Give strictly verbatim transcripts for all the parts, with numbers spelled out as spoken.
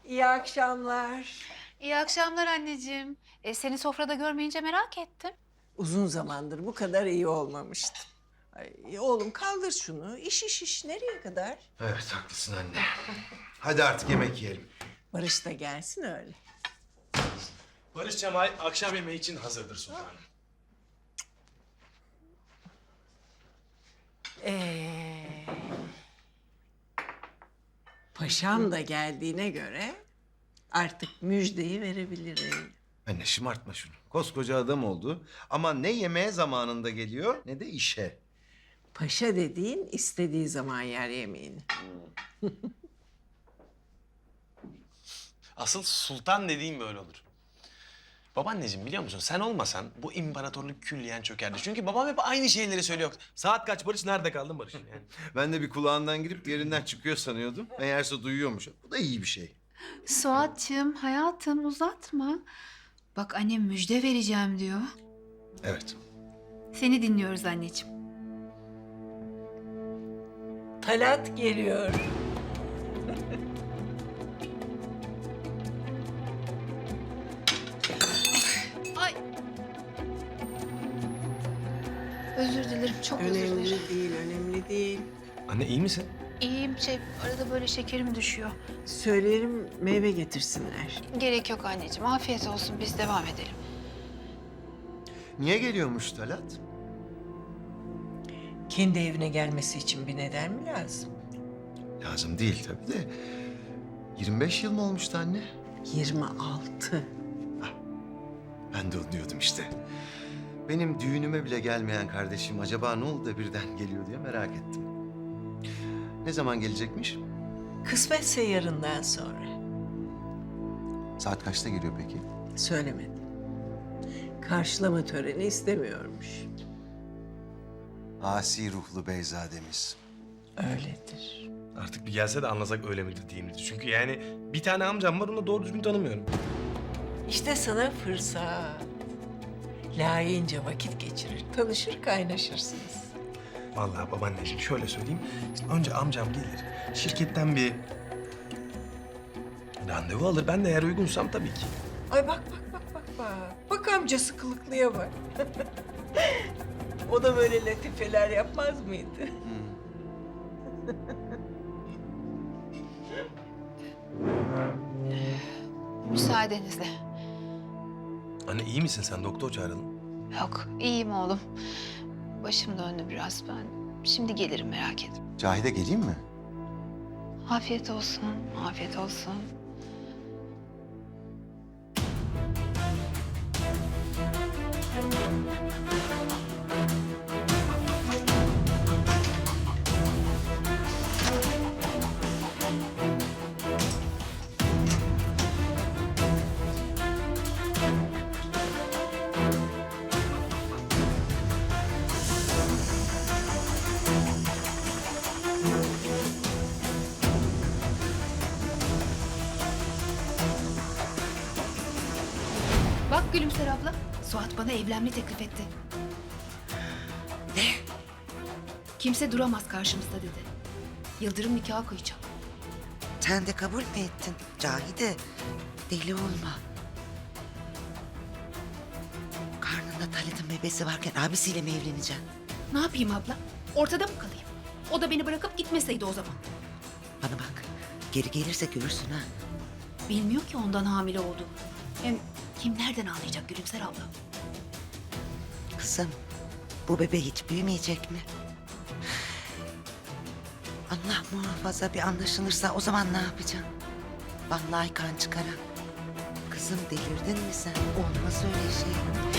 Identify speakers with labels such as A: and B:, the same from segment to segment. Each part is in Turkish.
A: İyi akşamlar.
B: İyi akşamlar anneciğim. E, seni sofrada görmeyince merak ettim.
A: Uzun zamandır bu kadar iyi olmamıştım. Ay, oğlum kaldır şunu. İş iş iş nereye kadar?
C: Evet haklısın anne. Hadi artık yemek yiyelim.
A: Barış da gelsin öyle.
D: Barış Cemal akşam yemeği için hazırdır sultanım.
A: Ee, paşam da geldiğine göre artık müjdeyi verebilirim.
C: Anne şımartma şunu. Koskoca adam oldu ama ne yemeğe zamanında geliyor ne de işe.
A: Paşa dediğin istediği zaman yer yemeğini.
D: Asıl sultan dediğim böyle olur. Babaanneciğim biliyor musun sen olmasan bu imparatorluk külliyen çökerdi. Çünkü babam hep aynı şeyleri söylüyor. Saat kaç Barış? Nerede kaldın Barış? Yani.
C: Ben de bir kulağından girip yerinden çıkıyor sanıyordum. Meğerse duyuyormuş. Bu da iyi bir şey.
B: Suat'cığım hayatım uzatma. Bak annem müjde vereceğim diyor.
C: Evet.
B: Seni dinliyoruz anneciğim.
A: Talat geliyor.
B: Ay. Özür dilerim çok özür dilerim.
A: Önemli değil, önemli değil.
D: Anne iyi misin?
B: İyiyim şey arada böyle şekerim düşüyor.
A: Söylerim meyve getirsinler.
B: Gerek yok anneciğim afiyet olsun biz devam edelim.
C: Niye geliyormuş Talat?
A: Kendi evine gelmesi için bir neden mi lazım?
C: Lazım değil tabii de. yirmi beş yıl mı olmuştu anne?
A: Yirmi altı.
C: Ben de onu diyordum işte. Benim düğünüme bile gelmeyen kardeşim acaba ne oldu da birden geliyor diye merak ettim. Ne zaman gelecekmiş?
A: Kısmetse yarından sonra.
C: Saat kaçta geliyor peki?
A: Söylemedim. Karşılama töreni istemiyormuş.
C: Asi ruhlu beyzademiz.
A: Öyledir.
D: Artık bir gelse de anlasak öyle midir değil midir? Çünkü yani bir tane amcam var onu da doğru düzgün tanımıyorum.
A: İşte sana fırsat. Layığınca vakit geçirir, tanışır, kaynaşırsınız.
D: Vallahi babaanneciğim şöyle söyleyeyim. İşte önce amcam gelir. Şirketten bir randevu alır. Ben de eğer uygunsam tabii ki.
A: Ay bak bak bak bak bak. Bak amcası kılıklıya bak. O da böyle latifeler yapmaz mıydı?
B: Müsaadenizle.
D: Anne iyi misin sen? Doktor çağıralım.
B: Yok iyiyim oğlum. Başım döndü biraz ben. Şimdi gelirim merak etme.
C: Cahide geleyim mi?
B: Afiyet olsun, afiyet olsun. Bak Gülümser abla, Suat bana evlenme teklif etti. Ne? Kimse duramaz karşımızda dedi. Yıldırım nikahı kıyacak.
E: Sen de kabul mü ettin Cahide? Deli olma. Karnında Talat'ın bebesi varken abisiyle mi evleneceksin?
B: Ne yapayım abla? Ortada mı kalayım? O da beni bırakıp gitmeseydi o zaman.
E: Bana bak, geri gelirse görürsün ha.
B: Bilmiyor ki ondan hamile olduğumu. Hem kim nereden anlayacak Gülümser abla?
E: Kızım, bu bebe hiç büyümeyecek mi? Allah muhafaza bir anlaşılırsa o zaman ne yapacaksın? Vallahi kan çıkaran. Kızım delirdin mi sen? Olmaz öyle şey.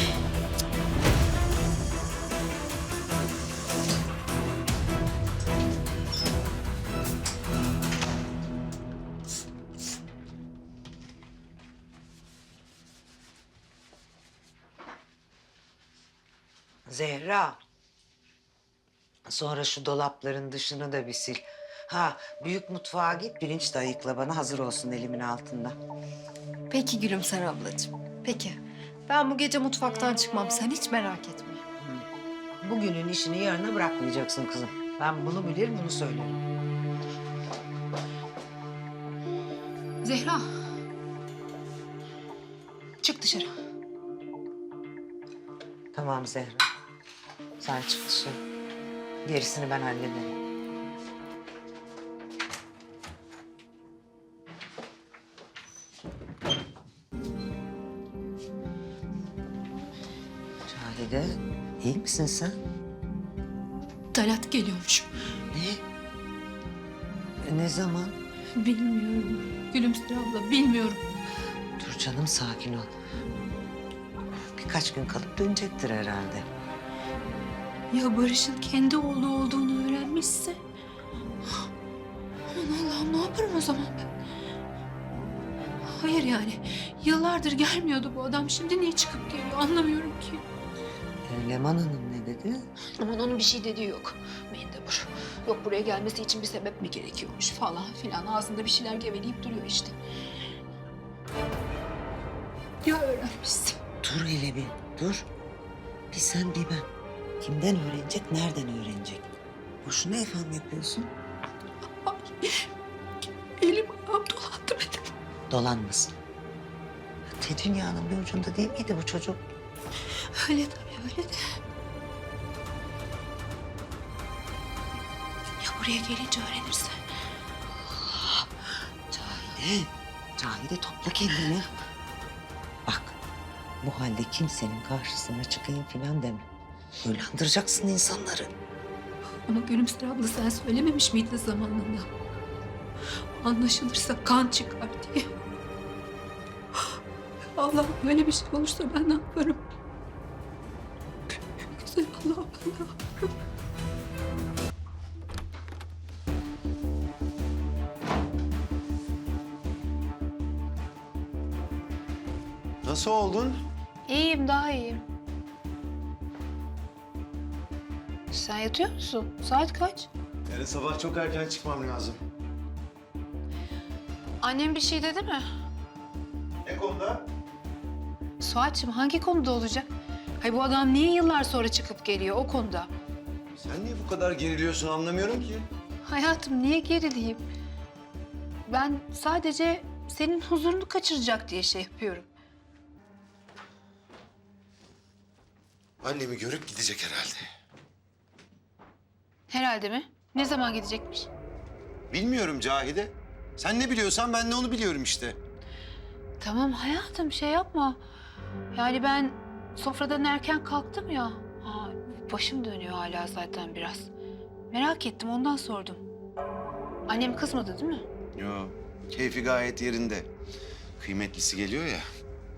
E: Zehra. Sonra şu dolapların dışını da bir sil. Ha, büyük mutfağa git, pirinç de ayıkla bana, hazır olsun elimin altında.
F: Peki Gülümser ablacığım, peki. Ben bu gece mutfaktan çıkmam, sen hiç merak etme.
E: Bugünün işini yarına bırakmayacaksın kızım. Ben bunu bilir, bunu söylerim.
B: Zehra. Çık dışarı.
E: Tamam Zehra. Sen çık dışarı. Gerisini ben hallederim. Cahide, iyi misin sen?
F: Talat geliyormuş.
E: Ne? Ne zaman?
F: Bilmiyorum. Gülümser abla bilmiyorum.
E: Dur canım, sakin ol. Birkaç gün kalıp dönecektir herhalde.
F: Ya Barış'ın kendi oğlu olduğunu öğrenmişse? Aman Allah'ım, ne yaparım o zaman ben? Hayır yani. Yıllardır gelmiyordu bu adam. Şimdi niye çıkıp geliyor anlamıyorum ki.
E: Ee, Leman Hanım ne dedi?
B: Aman onun bir şey dediği yok. Mendebur. Yok buraya gelmesi için bir sebep mi gerekiyormuş falan filan. Ağzında bir şeyler geveleyip duruyor işte. Ya öğrenmişsin.
E: Dur hele bir, dur. Bir sen bir ben. Kimden öğrenecek, nereden öğrenecek? Boşuna efendim yapıyorsun.
F: Ay, elim ayağım dolandı benim.
E: Dolanmasın. Te dünyanın bir ucunda değil miydi bu çocuk?
F: Öyle tabii, öyle de. Ya buraya gelince öğrenirse?
E: Cahide, Cahide topla kendini. Bak, bu halde kimsenin karşısına çıkayım falan deme. Uylandıracaksın insanları.
F: Ama Gülümser abla sen söylememiş miydin zamanında? Anlaşılırsa kan çıkar diye. Allah böyle bir şey olursa ben ne yaparım? Güzel Allah'ım, ben ne yaparım?
C: Nasıl oldun?
B: İyiyim, daha iyiyim. Sen yatıyor musun? Saat kaç?
C: Yarın sabah çok erken çıkmam lazım.
B: Annem bir şey dedi mi?
C: Ne konuda?
B: Suat'cığım hangi konuda olacak? Hay bu adam niye yıllar sonra çıkıp geliyor o konuda?
C: Sen niye bu kadar geriliyorsun anlamıyorum ki.
B: Hayatım niye gerileyim? Ben sadece senin huzurunu kaçıracak diye şey yapıyorum.
C: Annemi görüp gidecek herhalde.
B: Herhalde mi? Ne zaman gidecekmiş?
C: Bilmiyorum Cahide. Sen ne biliyorsan ben de onu biliyorum işte.
B: Tamam hayatım şey yapma. Yani ben sofradan erken kalktım ya. Ha, başım dönüyor hala zaten biraz. Merak ettim ondan sordum. Annem kızmadı değil mi?
C: Yo, keyfi gayet yerinde. Kıymetlisi geliyor ya.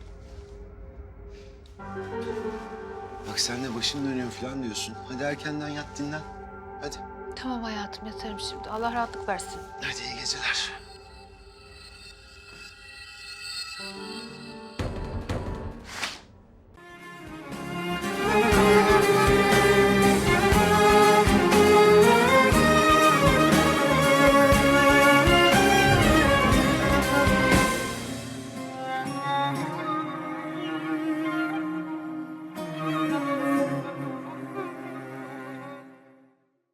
C: Bak sen de başım dönüyor falan diyorsun. Hadi erkenden yat dinlen. Hadi.
B: Tamam hayatım yatarım şimdi. Allah rahatlık versin.
C: Hadi iyi geceler.